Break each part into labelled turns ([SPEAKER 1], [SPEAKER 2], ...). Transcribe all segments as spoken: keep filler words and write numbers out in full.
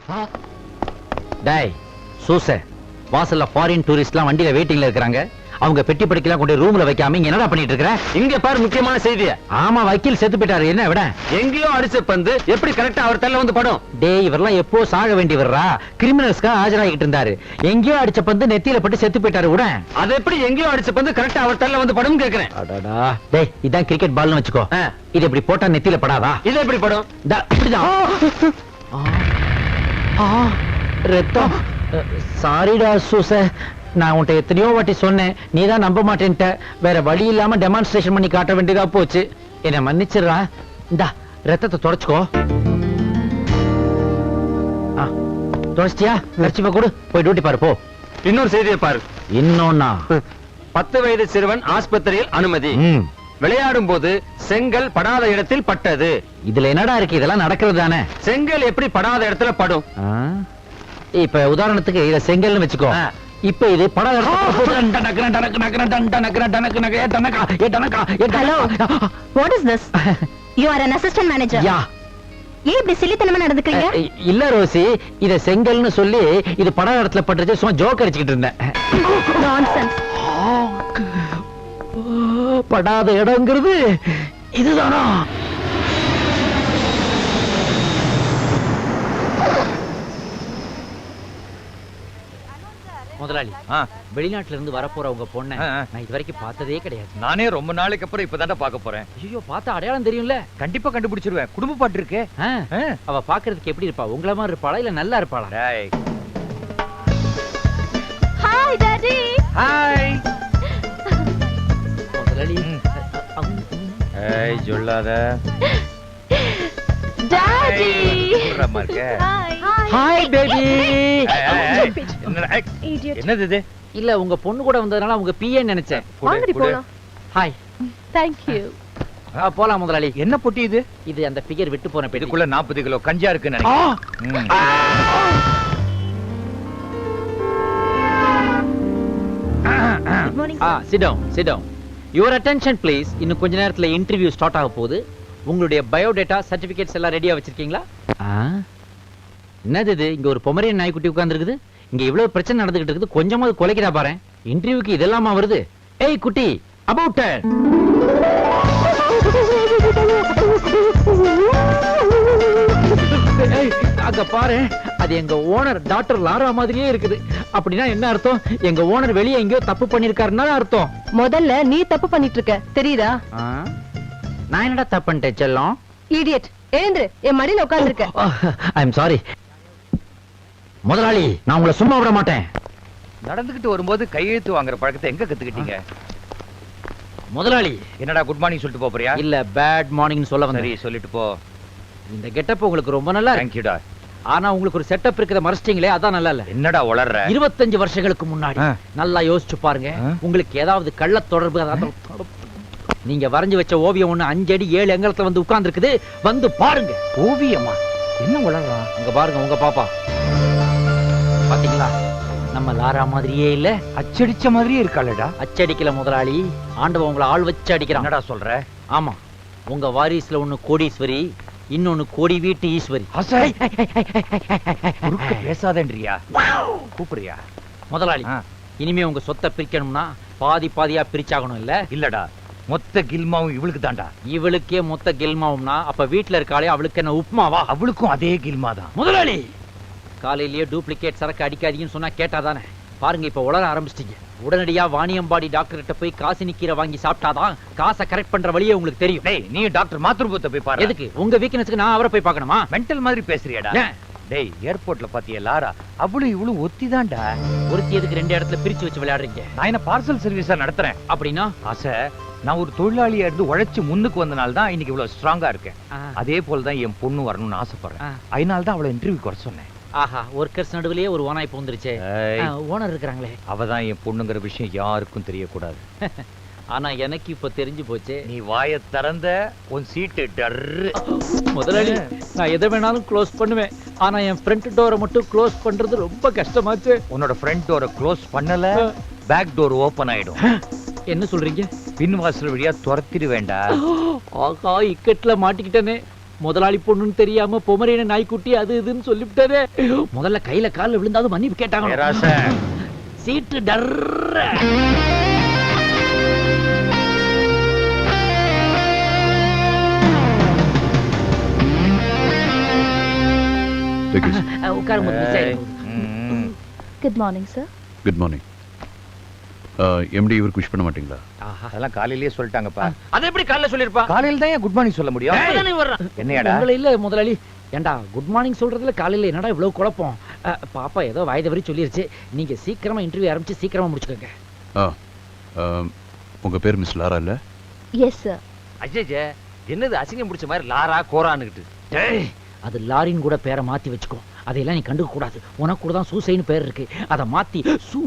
[SPEAKER 1] டேய் சூச, வாசல்ல ஃபாரின் டூரிஸ்ட்லாம் வண்டியில வெயிட்டிங்ல இருக்காங்க. அவங்க பெட்டி படிக்கலாம் கொண்டு ரூம்ல வைக்காம இங்க என்னடா பண்ணிட்டு இருக்கற?
[SPEAKER 2] இங்க பாரு முக்கியமான செய்தி.
[SPEAKER 1] ஆமா, வக்கீல் செத்து போயிட்டாரு. என்ன விட?
[SPEAKER 2] எங்கேயோ அடிச்ச பந்து எப்படி கரெக்டா அவர் தள்ள வந்து படும்?
[SPEAKER 1] டேய், இவரெல்லாம் எப்போ சாக வேண்டி வர்றா? கிரிமினல்ஸ்க்கு ஆஜராகிட்டு இருந்தாரு. எங்கேயோ அடிச்ச பந்து நெத்தியில பட்டு செத்து போயிட்டாரு. விட
[SPEAKER 2] அது எப்படி எங்கேயோ அடிச்ச பந்து கரெக்டா அவர் தள்ள வந்து படும் கேக்குறேன்.
[SPEAKER 1] அடடா, டேய் இதான் கிரிக்கெட் பால்னு வச்சுக்கோ. இது இப்படி போட்டா நெத்தியில படாதா?
[SPEAKER 2] இது எப்படி படும்?
[SPEAKER 1] இப்படிதான். ரத்தம். சாரிடா சூச, நான் உன்ட்ட எத்தனையோ வாட்டி சொன்னேன், நீதான் நம்ப மாட்டேன்ட்ட. வேற வழி இல்லாம டெமான்ஸ்ட்ரேஷன் பண்ணி காட்ட வேண்டியதா போச்சு. என்ன மன்னிச்சிடுறா. இந்தா ரத்தத்தை தொடச்சுக்கோ. தொடச்சியா? கர்ச்சிப்பா கொடு, போய் டியூட்டி பாரு போ.
[SPEAKER 2] இன்னொரு செய்தியை பாரு.
[SPEAKER 1] இன்னொன்னா?
[SPEAKER 2] பத்து வயது சிறுவன் ஆஸ்பத்திரியில் அனுமதி. விளையாடும் போது செங்கல் படாத இடத்தில் பட்டது.
[SPEAKER 1] இதுல என்னடா இருக்கு? இதெல்லாம் நடக்கிறது தானே.
[SPEAKER 2] செங்கல் எப்படி படாத இடத்துல படும்?
[SPEAKER 1] இப்ப உதாரணத்துக்கு இத செங்கல்னு வச்சுக்கோ. இப்ப இது படாத
[SPEAKER 3] Hello, what is this? You are an assistant manager.
[SPEAKER 1] யா.
[SPEAKER 3] ஏன் இப்படி சில்லித்தனமா நடந்துக்கிறீங்க?
[SPEAKER 1] இல்ல ரோசி, இத செங்கல்னு சொல்லி இது படாத இடத்துல பட்டுச்சு, சும்மா ஜோக் அடிச்சுக்கிட்டு இருந்தேன்.
[SPEAKER 3] Nonsense.
[SPEAKER 1] படாத இடம்ங்கிறது இதுதானா? முதலாளி, வெளிநாட்டுல இருந்து வரப்போற உங்க பொண்ணை நான் இது வரைக்கும் பார்த்ததே கிடையாது.
[SPEAKER 2] நானே ரொம்ப நாளைக்கு அப்புறம் இப்பதான்டா பார்க்க போறேன்.
[SPEAKER 1] ஐயோ, பார்த்தா அடையாளம் தெரியும்ல?
[SPEAKER 2] கண்டிப்பா கண்டுபிடிச்சிருவேன். குடும்ப பாட்டு இருக்கே.
[SPEAKER 1] அவ பாக்குறதுக்கு எப்படி இருப்பா? உங்கள மாதிரி இருப்பாளா இல்ல நல்லா இருப்பாளா?
[SPEAKER 3] Hi daddy.
[SPEAKER 2] ஹாய்
[SPEAKER 1] முதலாளி.
[SPEAKER 2] ஏய் சொல்லாத.
[SPEAKER 3] டாடி.
[SPEAKER 2] புறமா இருக்கே.
[SPEAKER 1] Hi baby.
[SPEAKER 2] என்னது இது?
[SPEAKER 1] இல்ல, உங்க பொண்ணு கூட வந்ததனால உங்க பிஏன்னு நினைச்சேன்.
[SPEAKER 3] வாங்கடி போலாம்.
[SPEAKER 1] ஹாய்.
[SPEAKER 3] Thank you.
[SPEAKER 1] போலாம் முதலாளி.
[SPEAKER 2] என்ன பொட்டி இது?
[SPEAKER 1] இது அந்த ஃபிகர் விட்டு போன பெட்டி.
[SPEAKER 2] இதுக்குள்ள நாற்பது கிலோ கஞ்சா இருக்குன்னு நினைக்கிறேன்.
[SPEAKER 3] Good morning.
[SPEAKER 1] Ah, sit down, sit down. Your attention please. இன்னும் கொஞ்ச நேரத்துல இன்டர்வியூ ஸ்டார்ட் ஆக போகுது. உங்களுடைய பயோடேட்டா சர்டிபிகேட்ஸ் எல்லாம் ரெடியா வச்சிருக்கீங்களா? என்னது இது? இங்க ஒரு பொமரியன் நாய்க்குட்டி உட்கார்ந்துருக்குது. இங்க இவ்வளவு பிரச்சனை நடந்துகிட்டு இருக்குது, கொஞ்சமாவது கொலைக்கிறா பாரு. இன்டர்வியூக்கு இதெல்லாமா வருது? ஏய் குட்டி, அபவுட் அங்க பாரு, அது எங்க ஓனர் டாக்டர் லாரா மாதிரியே இருக்குது. அப்படின்னா என்ன அர்த்தம்? எங்க ஓனர் வெளியே எங்கேயோ தப்பு பண்ணிருக்காருன்னா அர்த்தம்.
[SPEAKER 3] முதல்ல நீ தப்பு பண்ணிட்டு இருக்க, தெரியுதா?
[SPEAKER 1] நான் என்னடா தப்பு பண்ணிட்டேன் செல்லம்?
[SPEAKER 3] இடியட், எழுந்திரு, என் மடியில உட்கார்ந்திருக்க.
[SPEAKER 1] ஐ அம் சாரி முதலாளி, நான் உங்களை சும்மா விட மாட்டேன்.
[SPEAKER 2] நடந்துகிட்டு வரும்போது கையெழுத்து வாங்குற பழக்கத்தை எங்க கத்துக்கிட்டீங்க?
[SPEAKER 1] முதலாளி.
[SPEAKER 2] என்னடா குட் மார்னிங் சொல்லிட்டு போ போறியா?
[SPEAKER 1] இல்ல, பேட் மார்னிங் சொல்ல வந்தேன்.
[SPEAKER 2] சரி, சொல்லிட்டு போ.
[SPEAKER 1] இந்த கெட்டப் உங்களுக்கு ரொம்ப நல்லா இருக்கு.
[SPEAKER 2] Thank you டா.
[SPEAKER 1] ஆனா உங்களுக்கு ஒரு செட்டப் இருக்குத மறச்சிட்டீங்களே, அதான் நல்லா இல்ல.
[SPEAKER 2] என்னடா உளறற?
[SPEAKER 1] இருபத்தஞ்சு வருஷங்களுக்கு முன்னாடி நல்லா யோசிச்சு பாருங்க. உங்களுக்கு ஏதாவது கள்ள தொடர்பு, நீங்க வரைஞ்சு வச்ச ஓவியம் ஒண்ணு அஞ்சு அடி ஏழு எங்கலத்துல வந்து உட்கார்ந்து இருக்குது. வந்து பாருங்க.
[SPEAKER 2] ஓவியமா? என்ன உளறறா?
[SPEAKER 1] அங்க பாருங்க, உங்க பாப்பா. பாத்தீங்களா? நம்ம லாரா மாதிரியே இல்ல?
[SPEAKER 2] அச்சடிச்ச மாதிரியே இருக்காளடா.
[SPEAKER 1] அச்சடிக்கல முதலாளி, ஆண்டவன் உங்களை ஆள் வச்சு அடிக்கிறான்.
[SPEAKER 2] என்னடா சொல்ற?
[SPEAKER 1] ஆமா, உங்க வாரிசுல ஒண்ணு கோடீஸ்வரி, இன்னொன்னு கோடி வீட்டு ஈஸ்வரி.
[SPEAKER 2] பேசாதேன்றியா? கூப்பிடுறியா?
[SPEAKER 1] முதலாளி, இனிமே உங்க சொத்தை பிரிக்கணும்னா பாதி பாதியா பிரிச்சாகணும். இல்ல?
[SPEAKER 2] இல்லடா, மொத்த கில்மாவும் இவளுக்கு தாண்டா.
[SPEAKER 1] இவளுக்கே மொத்த கில்மாவும்னா அப்ப வீட்டுல இருக்காளே அவளுக்கு என்ன உப்புமாவா?
[SPEAKER 2] அவளுக்கும் அதே கில்மா தான்.
[SPEAKER 1] முதலாளி, காலையிலேயே டூப்ளிகேட் சரக்கு அடிக்காதீங்கன்னு சொன்னா கேட்டாதானே? பாருங்க, இப்ப உளர ஆரம்பிச்சிட்டீங்க. உடனடியா வாணியம்பாடி டாக்டர் கிட்ட போய் காசினி கீரை வாங்கி சாப்பிட்டாதான் காசை கரெக்ட் பண்ற வழியே உங்களுக்கு தெரியும்.
[SPEAKER 2] டேய், நீ டாக்டர் மாத்ருபத்தை போய் பாரு.
[SPEAKER 1] எதுக்கு? உங்க வீக்னஸ்க்கு நான் அவரை போய் பார்க்கணுமா?
[SPEAKER 2] மென்டல் மாதிரி பேசுறியாடா? டேய், ஏர்போர்ட்ல பாத்தியா லாரா? அவளும் இவளும் ஒத்தி தான்டா.
[SPEAKER 1] ஒருத்தி எதுக்கு ரெண்டு இடத்துல பிரிச்சு வச்சு விளையாடுறீங்க?
[SPEAKER 2] நான் என்ன பார்சல் சர்வீஸா நடத்துறேன்?
[SPEAKER 1] அப்படின்னா
[SPEAKER 2] ஆசை, நான் ஒரு தொழிலாளியா இருந்து உழைச்சு முன்னுக்கு வந்தனால தான் இன்னைக்கு இவ்வளவு ஸ்ட்ராங்கா இருக்கேன். அதே போலதான் என் பொண்ணு வரணும்னு ஆசைப்படுறேன். அதனால தான் அவளை இன்டர்வியூ வர சொன்னேன்.
[SPEAKER 1] ஆஹா, ஒர்க்கர்ஸ் நடுவுலயே ஒரு ஓனாய் போந்துருச்சே. ஓனர் இருக்காங்களே,
[SPEAKER 2] அவதான் என் பொண்ணுங்கிற விஷயம் யாருக்கும் தெரியக்கூடாது.
[SPEAKER 1] ஆனா எனக்கு இப்ப தெரிஞ்சு போச்சு.
[SPEAKER 2] நீ வாயை திறந்த உன் சீட்டு டர்ரு.
[SPEAKER 1] முதலாளி, நான் எதை வேணாலும் க்ளோஸ் பண்ணுவேன். ஆனா என் ஃப்ரண்ட் டோரை மட்டும் க்ளோஸ் பண்றது ரொம்ப கஷ்டமாச்சு.
[SPEAKER 2] உன்னோட ஃப்ரண்ட் டோரை க்ளோஸ் பண்ணல, பேக் டோர் ஓபன் ஆயிடும்.
[SPEAKER 1] என்ன சொல்றீங்க?
[SPEAKER 2] பின் வாசல் வழியா துரத்திடு வேண்டாம்.
[SPEAKER 1] ஆகா, இக்கட்ல மாட்டிக்கிட்டனே. முதலாளி பொண்ணுன்னு தெரியாம பொமரேன நாய்க்குட்டி அது இதுன்னு சொல்லிவிட்டாரே. முதல்ல கையில கால்ல விழுந்தாலும் மன்னிப்பு கேட்டாங்க.
[SPEAKER 2] பேராசை.
[SPEAKER 1] சீட்டு டர்ற. உட்காரும்
[SPEAKER 2] ம்.
[SPEAKER 3] Good morning sir.
[SPEAKER 4] Good morning. MD இவருக்கு விஷ் பண்ண மாட்டீங்களா?
[SPEAKER 2] அதெல்லாம் காலையிலேயே சொல்லிட்டாங்கப்பா.
[SPEAKER 1] அது எப்படி காலைல சொல்லிருப்பா?
[SPEAKER 2] காலையில தான் குட் மார்னிங் சொல்ல முடியும்.
[SPEAKER 1] அப்பதானே வர்றான்.
[SPEAKER 2] என்னையாடா?
[SPEAKER 1] உங்களை இல்ல முதலாளி. ஏண்டா குட் மார்னிங் சொல்றதுல காலையில என்னடா இவ்வளவு குழப்பம்? அஹ், பாப்பா ஏதோ வாய் தவறி சொல்லிருச்சு. நீங்க சீக்கிரமா இன்டர்வியூ ஆரம்பிச்சு சீக்கிரமா முடிச்சுக்கோங்க.
[SPEAKER 4] ஆ ஆம், உங்க பேர் மிஸ் லாரா இல்ல?
[SPEAKER 3] Yes sir.
[SPEAKER 2] அஜய் என்னது அசிங்கம் பிடிச்ச மாதிரி லாரா கோரான்னுகிட்டு.
[SPEAKER 1] டேய், அது லாரின் கூட பேரை மாத்தி வச்சுக்கோ. அதையெல்லாம் நீ கண்டுக்க கூடாது. உனக்கு கூட தான் சூசைன்னு பேர் இருக்கு. அதை மாத்தி சூ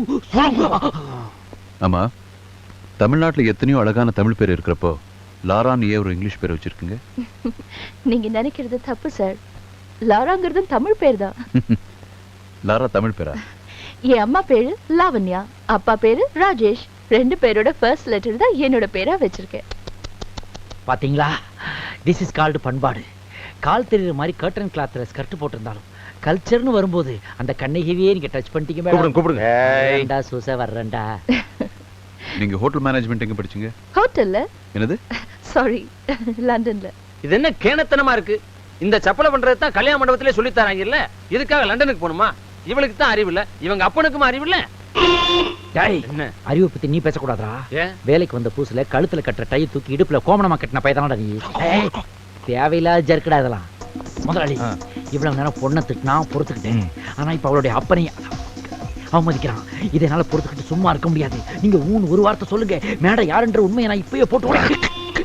[SPEAKER 4] ஆமா, தமிழ்நாட்டுல எத்தனையோ அழகான தமிழ் பேர் இருக்கிறப்போ லாரான்னு ஏன் ஒரு இங்கிலீஷ் பேர் வச்சிருக்கீங்க?
[SPEAKER 3] நீங்க நினைக்கிறது தப்பு சார். லாராங்கிறது தமிழ் பேர் தான்.
[SPEAKER 4] லாரா தமிழ் பேரா?
[SPEAKER 3] என் அம்மா பேரு லாவண்யா, அப்பா பேரு ராஜேஷ். ரெண்டு பேரோட ஃபர்ஸ்ட் லெட்டர் தான் என்னோட பேரா வச்சிருக்கேன்.
[SPEAKER 1] பாத்தீங்களா? திஸ் இஸ் கால்டு பண்பாடு. கால் தெரியுற மாதிரி கர்டன் கிளாத்ல ஸ்கர்ட் போட்டிருந்தாலும் கல்ச்சர்னு வரும்போது அந்த கண்ணகிவியே நீங்க டச் பண்ணிட்டீங்க.
[SPEAKER 2] கூப்பிடுங்க கூப்பிடுங்க.
[SPEAKER 1] வேண்டா சூச வர்றேன்டா.
[SPEAKER 4] நீங்க ஹோட்டல் மேனேஜ்மெண்ட் எங்க படிச்சீங்க?
[SPEAKER 3] ஹோட்டல்ல?
[SPEAKER 4] என்னது?
[SPEAKER 3] சாரி, லண்டன்ல.
[SPEAKER 5] இது என்ன கேணத்தனமா இருக்கு? இந்த சப்பலை பண்றது தான் கல்யாண மண்டபத்திலே சொல்லி தராங்க இல்ல? இதுக்காக லண்டனுக்கு போகணுமா? இவளுக்கு தான் அறிவு இல்ல, இவங்க அப்பனுக்கும் அறிவு இல்ல.
[SPEAKER 1] டேய்,
[SPEAKER 5] என்ன
[SPEAKER 1] அறிவை பத்தி நீ பேசக்கூடாதா?
[SPEAKER 5] ஏன்?
[SPEAKER 1] வேலைக்கு வந்த புதுசுல கழுத்துல கட்டுற டை தூக்கி இடுப்புல கோமணமா கட்டின பையதானடா நீ. ஏய், தேவையில்லாத ஜர்க்கடா இதெல்லாம். முதலாளி இவ்வளவு நேரம் பொண்ணை திட்டினா பொறுத்துக்கிட்டேன். ஆனா இப்ப அவளுடைய அப்பனையும் அவமதிக்கிறான். இதை என்னால பொறுத்துக்கிட்டு சும்மா இருக்க முடியாது. நீங்க ஊன்னு ஒரு வார்த்தை சொல்லுங்க. மேடம் யாருன்ற உண்மையை நான் இப்பயே போட்டு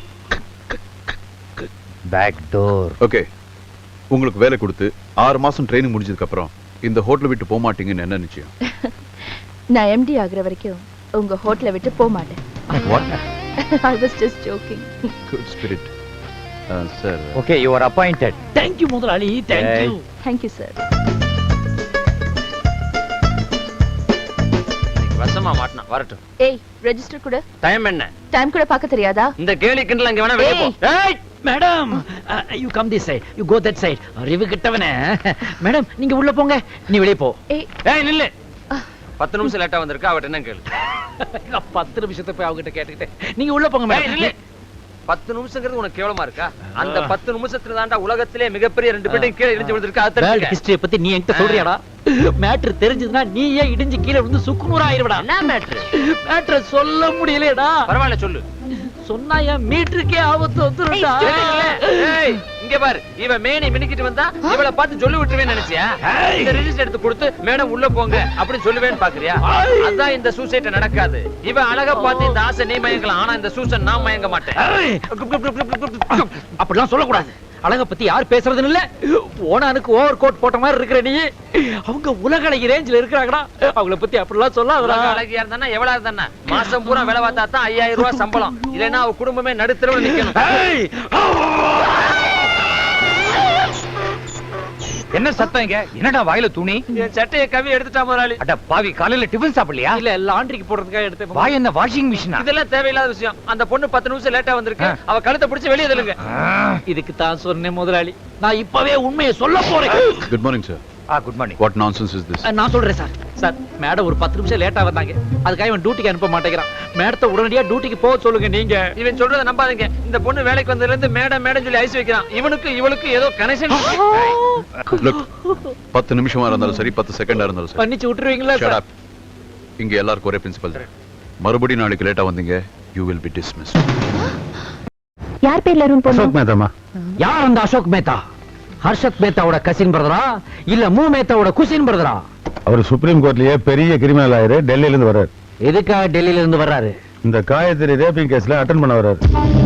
[SPEAKER 2] பேக் டோர்.
[SPEAKER 4] ஓகே, உங்களுக்கு வேலை கொடுத்து ஆறு மாசம் ட்ரைனிங் முடிஞ்சதுக்கு அப்புறம் இந்த ஹோட்டலை விட்டு போக மாட்டீங்கன்னு என்ன நிச்சயம்?
[SPEAKER 3] நான் எம்டி ஆகுற வரைக்கும் உங்க ஹோட்டலை விட்டு போக மாட்டேன்.
[SPEAKER 4] What?
[SPEAKER 3] I was just joking.
[SPEAKER 4] Good spirit. Sir,
[SPEAKER 2] okay, you are appointed.
[SPEAKER 1] Thank you முதலாளி, தேங்க்யூ.
[SPEAKER 3] Thank you sir.
[SPEAKER 5] வசமா மாட்டினா வரட்டும்.
[SPEAKER 3] ஏய், ரெஜிஸ்டர் கூட.
[SPEAKER 5] டைம் என்ன?
[SPEAKER 3] டைம் கூட பார்க்க தெரியாதா?
[SPEAKER 5] இந்த கேலி கிண்டல் அங்க வேணா வெளிய போ. ஏய்,
[SPEAKER 1] madam, you come this side, you go that side. அறிவு கிட்டவனே. மேடம் நீங்க உள்ள போங்க, நீ வெளிய போ.
[SPEAKER 3] ஏய்,
[SPEAKER 5] ஏய் நில்லு. பத்து நிமிஷம் லேட்டா வந்திருக்கா, அவட்ட என்ன கேளு.
[SPEAKER 1] பத்து நிமிஷத்தை போய் அவகிட்ட கேட்டுக்கிட்டேன். நீங்க உள்ள போங்க
[SPEAKER 5] ஏய் நில்லு.
[SPEAKER 1] மேடம்.
[SPEAKER 5] பத்து நிமிஷங்கிறது உனக்கு கேவலமா இருக்கா? அந்த பத்து நிமிஷத்துல தாண்டா உலகத்திலே மிகப்பெரிய ரெண்டு பேரும் கீழே இடிஞ்சு விழுந்திருக்கா. அது
[SPEAKER 1] வேர்ல்ட்
[SPEAKER 5] தெரிஞ்சுக்க.
[SPEAKER 1] ஹிஸ்டரி பத்தி நீ என்கிட்ட சொல்றியாடா? மேட்டர் தெரிஞ்சதுன்னா நீ ஏன் இடிஞ்சு கீழே விழுந்து சுக்குநூறா ஆயிருவடா.
[SPEAKER 5] என்ன மேட்ரு?
[SPEAKER 1] மேட்டர் சொல்ல முடியலடா.
[SPEAKER 5] பரவாயில்ல சொல்லு.
[SPEAKER 1] சொன்னா என் மீட்டருக்கே ஆபத்து வந்துருடா.
[SPEAKER 5] ஏய், இங்க பாரு, இவ மேனி மினிக்கிட்டு வந்தா இவளை பார்த்து சொல்லி விட்டுருவேன்னு நினைச்சியா? இந்த ரெஜிஸ்டர் எடுத்து கொடுத்து மேடம் உள்ள போங்க அப்படி சொல்லுவேன்னு பாக்குறியா? அதான் இந்த சூசைட் நடக்காது. இவ அழகா பார்த்து இந்த ஆசை நீ மயங்கலாம், ஆனா இந்த சூசன் நான் மயங்க மாட்டேன்.
[SPEAKER 1] அப்படிலாம் சொல்லக்கூடாது. அழக பத்தி யார் பேசுறதுன்னு இல்ல. ஓனானுக்கு ஓவர் கோட் போட்ட மாதிரி இருக்கிற நீ. அவங்க உலக அழகி ரேஞ்சில இருக்கிறாங்கடா. அவங்கள பத்தி அப்படிலாம் சொல்லாதடா.
[SPEAKER 5] அழகியா இருந்தா எவ்வளவு இருந்தா மாசம் பூரா வேலை பார்த்தா தான் ஐயாயிரம் ரூபாய் சம்பளம். இல்லைன்னா அவ குடும்பமே நடுத்தரவுல நிக்கணும்.
[SPEAKER 2] என்ன சத்தம் இங்க? என்னடா வாயில துணி?
[SPEAKER 5] என் சட்டையை கவி எடுத்துட்டா முதலாளி.
[SPEAKER 2] அட பாவி, காலையில டிபன் சாப்பிடலையா?
[SPEAKER 1] இல்ல லாண்டரிக்கு போடுறதுக்காக எடுத்து.
[SPEAKER 2] வாய் என்ன வாஷிங் மிஷினா?
[SPEAKER 5] இதெல்லாம் தேவையில்லாத விஷயம். அந்த பொண்ணு பத்து நிமிஷம் லேட்டா வந்திருக்கு. அவ கழுத்தை பிடிச்சு வெளியே தள்ளுங்க.
[SPEAKER 1] இதுக்கு தான் சொன்னேன் முதலாளி, நான் இப்பவே உண்மையை சொல்ல போறேன்.
[SPEAKER 4] Good morning sir.
[SPEAKER 2] ஆ, good morning.
[SPEAKER 4] What nonsense is this?
[SPEAKER 1] நான் சொல்றேன் சார். சார், மேடம் ஒரு பத்து நிமிஷம் லேட்டா வந்தாங்க. அதுக்காக இவன் டியூட்டிக்கு அனுப்ப மாட்டேங்கிறான். மேடத்தை உடனடியா டியூட்டிக்கு போக சொல்லுங்க நீங்க.
[SPEAKER 5] இவன் சொல்றத நம்பாதீங்க. இந்த பொண்ணு வேலைக்கு வந்ததுல இருந்து மேடம் மேடம் சொல்லி ஐஸ் வைக்கிறான். இவனுக்கு இவளுக்கு ஏதோ கனெக்ஷன்.
[SPEAKER 4] லுக், பத்து நிமிஷமா இருந்தாலும் சரி, பத்து செகண்டா இருந்தாலும் சரி,
[SPEAKER 1] பண்ணிச்சு விட்டுருவீங்களா
[SPEAKER 4] shut
[SPEAKER 1] சார்?
[SPEAKER 4] up. இங்க எல்லாருக்கும் ஒரே பிரின்சிபல் தான். மறுபடியும் நாளைக்கு லேட்டா வந்தீங்க, you will be dismissed.
[SPEAKER 3] யார் பேர்ல ரூம் போறோம்?
[SPEAKER 4] மேதாமா.
[SPEAKER 1] யார் அந்த அசோக் மேத்தா? ஹர்ஷத் மேத்தாவோட கசின் பிரதரா இல்ல மூ மேத்தாவோட குசின் பிரதரா?
[SPEAKER 6] அவர் சுப்ரீம் கோர்ட்லயே பெரிய கிரிமினல் ஆயரு, டெல்லியில இருந்து வர்றாரு.
[SPEAKER 1] எதுக்காக டெல்லியில இருந்து வர்றாரு?
[SPEAKER 6] இந்த காயத்ரி ரேப்பிங் கேஸ்ல அட்டெண்ட் பண்ண வர்றாரு.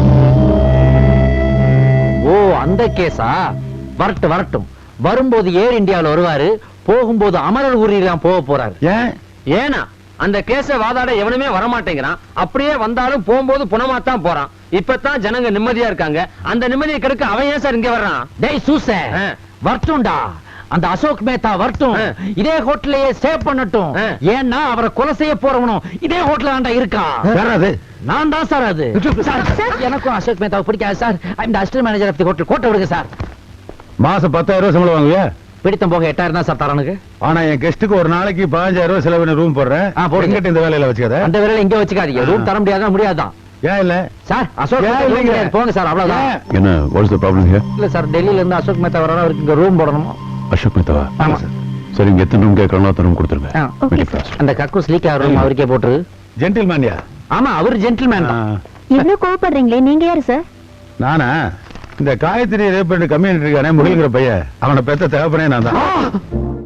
[SPEAKER 1] ஓ, அந்த கேஸா? வரட்டும் வரட்டும். வரும்போது ஏர் இந்தியாவில் வருவாரு, போகும்போது அமரர் ஊரிலாம் போக போறாரு.
[SPEAKER 6] ஏன்?
[SPEAKER 5] ஏனா அந்த கேஸ வாதாட எவனுமே வரமாட்டேங்கிறான். அப்படியே வந்தாலும் போகும்போது புனமாத்தான் போறான். இப்பதான் ஜனங்க நிம்மதியா இருக்காங்க. அந்த நிம்மதியை கெடுக்க அவன் ஏன் சார் இங்க வர்றான்?
[SPEAKER 1] டேய் சூச, வரட்டும்டா. அந்த அசோக் மேத்தா வரட்டும், இதே ஹோட்டலையே ஸ்டே பண்ணட்டும். ஏன்னா அவரை கொலை செய்ய போறவனும் இதே ஹோட்டல் ஆண்டா இருக்கான். நான் தான் சார் அது. சார், எனக்கும் அசோக் மேத்தாவை பிடிக்காது சார். இந்த assistant manager of the hotel, கோட்டை விடுங்க சார்.
[SPEAKER 6] மாசம் பத்தாயிரம் ரூபாய் சம்பளம் வாங்குவியா?
[SPEAKER 1] பிடித்தம் போக எட்டாயிரம் தான் சார் தரனுக்கு.
[SPEAKER 6] ஆனா என் கெஸ்ட்டுக்கு ஒரு நாளைக்கு பதினஞ்சாயிரம் ரூபாய் செலவு ரூம் போடுறேன்.
[SPEAKER 1] ஆ, போடுங்க.
[SPEAKER 6] எங்கிட்ட இந்த வேலையில வச்சுக்காத.
[SPEAKER 1] அந்த வேலையில இங்க வச்சுக்காதீங்க. ரூம் தர முடியாதான் முடியாதான்
[SPEAKER 6] ஏன் இல்ல
[SPEAKER 1] சார்? அசோக்
[SPEAKER 6] ஏன்
[SPEAKER 1] மேத்தா
[SPEAKER 6] இல்லைங்க?
[SPEAKER 1] room போங்க சார், அவ்வளவுதான்.
[SPEAKER 4] என்ன வாட்ஸ் த ப்ராப்ளம் ஹியர்?
[SPEAKER 1] இல்ல சார், டெல்லியில இருந்து அசோக் மேத்தா வரணும், அவருக்கு இங்க ரூம் போடணும்.
[SPEAKER 4] அசோக் மேத்தாவா?
[SPEAKER 1] ஆமா.
[SPEAKER 4] சரி, இங்க எத்தனை ரூம் கேட்கறோம் அத்தனை ரூம் கொடுத்துருங்க.
[SPEAKER 1] ஆ,
[SPEAKER 3] ஓகே
[SPEAKER 4] Very
[SPEAKER 3] சார்.
[SPEAKER 4] fast.
[SPEAKER 1] அந்த கக்கூஸ் லீக் ஆகிற ரூம் அவருக்கே போட்டுரு.
[SPEAKER 6] ஜென்டில்மேன்யா?
[SPEAKER 1] ஆமா, அவர் ஜென்டில்மேன் தான்.
[SPEAKER 3] இவ்ளோ கோவப்படுறீங்களே, நீங்க யாரு சார்?
[SPEAKER 6] நானா? இந்த காயத்ரி ரேப் பண்ணி கம்யூனிட்டி இருக்கானே முகில்ங்கிற பையன், அவனை பெத்த தகப்பனே நான் தான்.